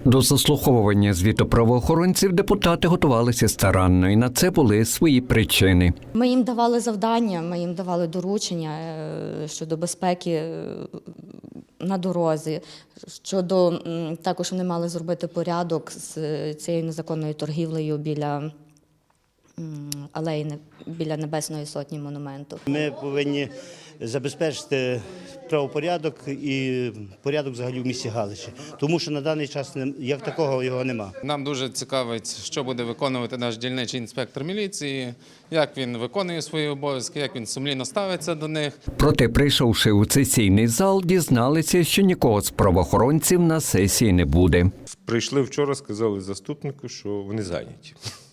До заслуховування звіту правоохоронців депутати готувалися старанно, і на це були свої причини. Ми їм давали завдання, ми їм давали доручення щодо безпеки на дорозі, щодо також вони мали зробити порядок з цією незаконною торгівлею біля алеї, біля Небесної Сотні монументу. Ми повинні забезпечити правопорядок і порядок взагалі в місті Галичі, тому що на даний час як такого його нема. Нам дуже цікавить, що буде виконувати наш дільничий інспектор міліції, як він виконує свої обов'язки, як він сумлінно ставиться до них. Проте, прийшовши у сесійний зал, дізналися, що нікого з правоохоронців на сесії не буде. Прийшли вчора, сказали заступнику, що вони зайняті.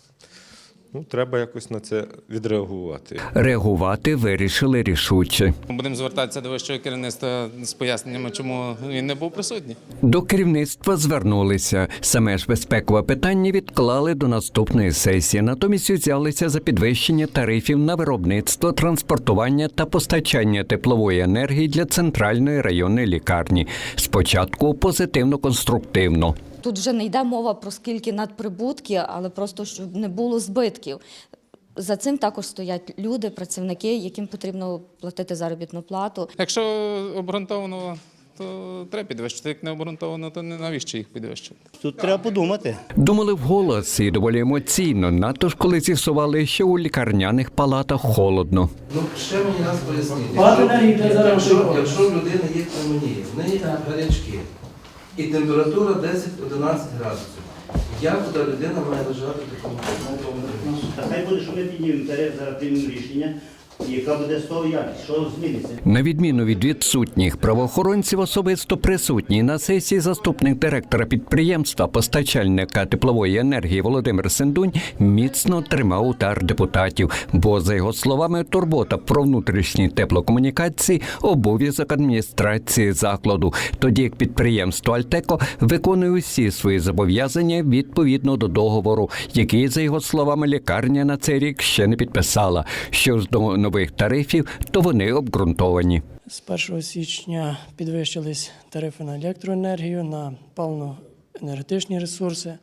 Треба якось на це відреагувати. Реагувати вирішили рішуче. Ми будемо звертатися до вищого керівництва з поясненнями, чому він не був присутній. До керівництва звернулися. Саме ж безпекове питання відклали до наступної сесії. Натомість взялися за підвищення тарифів на виробництво, транспортування та постачання теплової енергії для центральної районної лікарні. Спочатку позитивно-конструктивно. Тут вже не йде мова про скільки надприбутки, але просто, щоб не було збитків. За цим також стоять люди, працівники, яким потрібно платити заробітну плату. Якщо обґрунтовано, то треба підвищити. Як не обґрунтовано, то навіщо їх підвищити? Тут треба подумати. Думали вголос і доволі емоційно, надто ж коли з'ясували, що у лікарняних палатах холодно. Ще мені раз поясніть, якщо в людини є пневмонія, в неї гарячки, і температура 10-11 градусів. Як туди людина має лежати в такому температурі? Хай буде, що ми піднімемо тариф, зараз приймемо рішення, яка буде з того якість, що зміниться. На відміну від відсутніх правоохоронців, особисто присутній на сесії заступник директора підприємства, постачальника теплової енергії Володимир Сендунь міцно тримав удар депутатів, бо, за його словами, турбота про внутрішні теплокомунікації – обов'язок адміністрації закладу, тоді як підприємство «Альтеко» виконує усі свої зобов'язання відповідно до договору, який, за його словами, лікарня на цей рік ще не підписала. Що ж до нових тарифів, то вони обґрунтовані. З 1 січня підвищились тарифи на електроенергію, на паливно-енергетичні ресурси,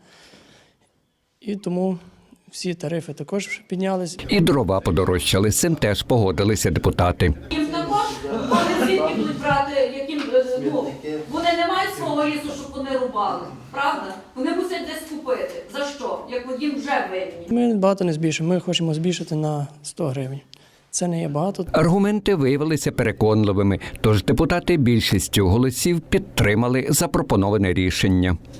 і тому всі тарифи також піднялись. І дрова подорожчали, з цим теж погодилися депутати. Їм також вони звідки будуть брати, вони не мають свого лісу, щоб вони рубали, правда? Вони мусять десь купити. За що? Як їм вже винні. Ми багато не збільшимо, ми хочемо збільшити на 100 гривень. Це не є багато. Аргументи виявилися переконливими, тож депутати більшістю голосів підтримали запропоноване рішення.